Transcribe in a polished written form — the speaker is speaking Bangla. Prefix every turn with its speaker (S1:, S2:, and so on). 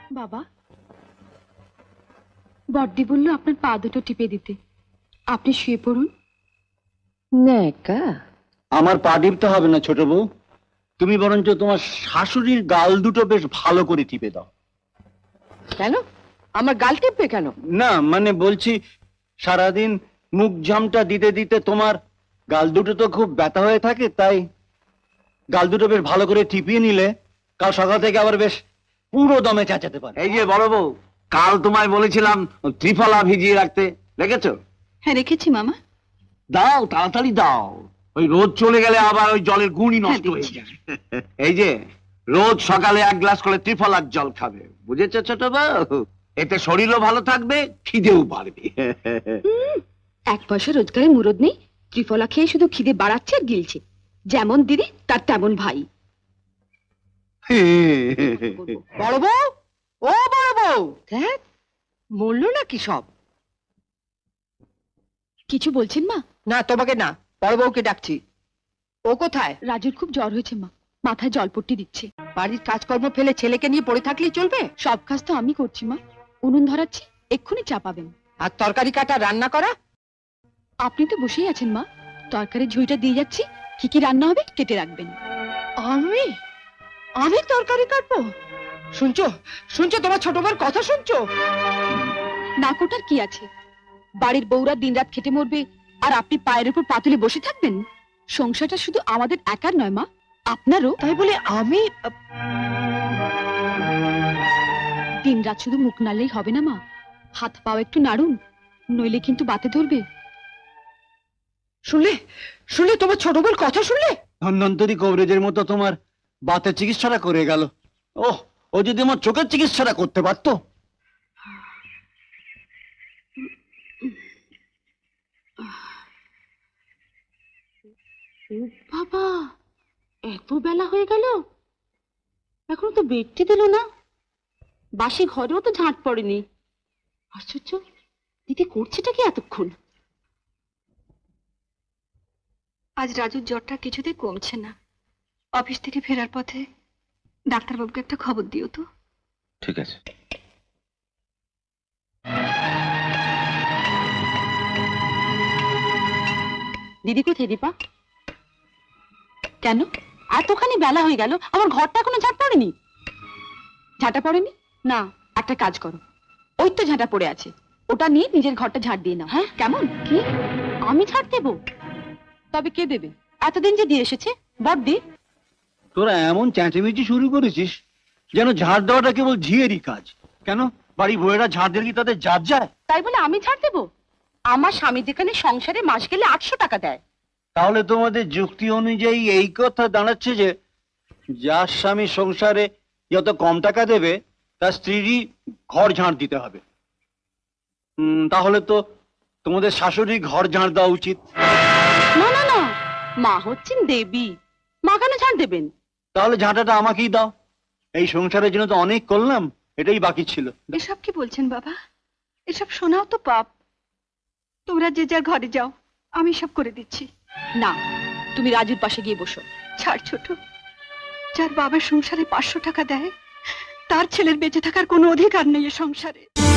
S1: বাবা, বড়দি বলল আপনার পা দুটো টিপে দিতে। আপনি শুয়ে পড়ুন।
S2: নেকা,
S3: আমার পা টিপতে হবে না ছোট বউ, তুমি বরঞ্চ তোমার শাশুড়ির গাল দুটো বেশ ভালো করে টিপে দাও।
S2: কেন আমার গাল টিপবে কেন?
S3: না মানে বলছি, সারাদিন মুখ ঝামটা দিতে দিতে তোমার গাল দুটো তো খুব ব্যথা হয়ে থাকে, তাই গাল দুটো বেশ ভালো করে টিপিয়ে নিলে কাল সকাল থেকে আবার বেশ পুরো দমে চেঁচাতে পারে।
S4: এই যে বড় বউ, কাল তোমায় বলেছিলাম ত্রিফলা ভিজিয়ে রাখতে, রেখেছো?
S1: হ্যাঁ রেখেছি মামা।
S4: দাও, তাড়াতাড়ি দাও, ওই রোদ চলে গেলে আবার ওই জলের গুণই নষ্ট হয়ে যায়। এই যে রোজ সকালে 1 গ্লাস করে ত্রিফলার জল খাবে, বুঝেছো ছোট বউ? এতে শরীরও ভালো থাকবে, খিদেও বাড়বে।
S1: 1 পয়সা রোজগারের মুরদ নেই, ত্রিফলা খেয়ে শুধু খিদে বাড়াচ্ছে আর গিলছে। যেমন দিদি তার তেমন ভাই।
S2: বড় বউ, ও বড় বউ, দেখ মরলো নাকি সব?
S1: কিছু বলছেন মা?
S2: না তোমাকে না, বড় বউকে ডাকছি। ও কোথায়?
S1: রাজুর খুব জ্বর হয়েছে মা, মাথায় জলপট্টি দিচ্ছে।
S2: বাড়ির কাজকর্ম ফেলে ছেলেকে নিয়ে পড়ে থাকলেই চলবে?
S1: সব কাজ তো আমি করছি মা, উনুন ধরাচ্ছি, এক্ষুনি চাপাবেন।
S2: আর তরকারি কাটা, রান্না করা?
S1: আপনি তো বসেই আছেন মা, তরকারির ঝুড়িটা দিয়ে যাচ্ছি, কি কি রান্না হবে কেটে রাখবেন।
S2: আমি আমি তরকারি কাটবো? শুনছো শুনছো, তোমার ছোট বউর কথা শুনছো?
S1: না কোটার কি আছে, বাড়ির বউরা দিনরাত খেটে মরবে আর আপনি পায়ের উপর পাতুলে বসে থাকবেন? সংসারটা শুধু আমাদের একার নয় মা, আপনারও।
S2: তাই বলে আমি
S1: দিনরাত শুধু মুখ নাড়লেই হবে না মা, হাত পাও একটু নাড়ুন, নইলে কিন্তু বাতে ধরবে।
S2: শুনলে শুনলে, তোমার ছোট বউর কথা শুনলে?
S3: ধন্বন্তরী কবরেজের মতো তোমার বাতের চিকিৎসাটা করে গেল। ওহ, ও যদি আমার চোখের চিকিৎসাটা করতে পারতো।
S1: বাবা, এত বেলা হয়ে গেল, এখনো তো বেডটি দিল না। বাসি ঘরেও তো ঝাঁট পড়েনি। আশ্চর্য, দিদি করছেটা কি এতক্ষণ? আজ রাজুর জ্বরটা কিছুতেই কমছে না। অফিস থেকে ফেরার পথে ডাক্তারবাবুকে একটা খবর দিও তো।
S4: ঠিক আছে।
S1: দিদি কোথায় দীপা? কেন এতখানি বেলা হয়ে গেল, আমার ঘরটা এখনো ঝাঁট পড়েনি? ঝাঁটা পড়েনি? না, একটা কাজ করো, ওই তো ঝাঁটা পড়ে আছে, ওটা নিয়ে নিজের ঘরটা ঝাঁট দিয়ে নাও। হ্যাঁ কেমন? কি আমি ঝাঁট দেবো? তবে কে দেবে? এতদিন যে দিয়ে এসেছে বড়দি।
S3: তোরা এমন চেঁচামেচি শুরু করেছিস যেন ঝাড় দেওয়াটা কেবল ঝিয়েরই কাজ। কেন বাড়ি বউয়েরা ঝাড় দিলে কি তাদের জাত যায়?
S1: তাই বলে আমি ঝাড় দেবো? আমার স্বামী যেখানে সংসারে মাস গেলে 800 টাকা দেয়।
S3: তাহলে তোমাদের যুক্তি অনুযায়ী এই কথা দাঁড়াচ্ছে যে যার স্বামী সংসারে যত কম টাকা দেবে তার স্ত্রীরই ঘর ঝাড় দিতে হবে। তাহলে তো তোমাদের শাশুড়ি ঘর ঝাড় দেওয়া উচিত।
S1: না না না, মা হচ্ছেন দেবী, মা কেন ঝাড় দেবেন?
S3: তাহলে ঝাঁটাটা আমাকেই দাও, এই সংসারের জন্য তো অনেক করলাম, এটাই বাকি ছিল।
S1: এসব কি বলছেন বাবা? এসব শোনাও তো পাপ। তোমরা যে যার ঘরে যাও, আমি সব করে দিচ্ছি। না, তুমি রাজুর পাশে গিয়ে বসো। ছাড় ছোট, যার বাবার সংসারে 500 টাকা দেয়, তার ছেলের বেঁচে থাকার কোনো অধিকার নেই এ সংসারে।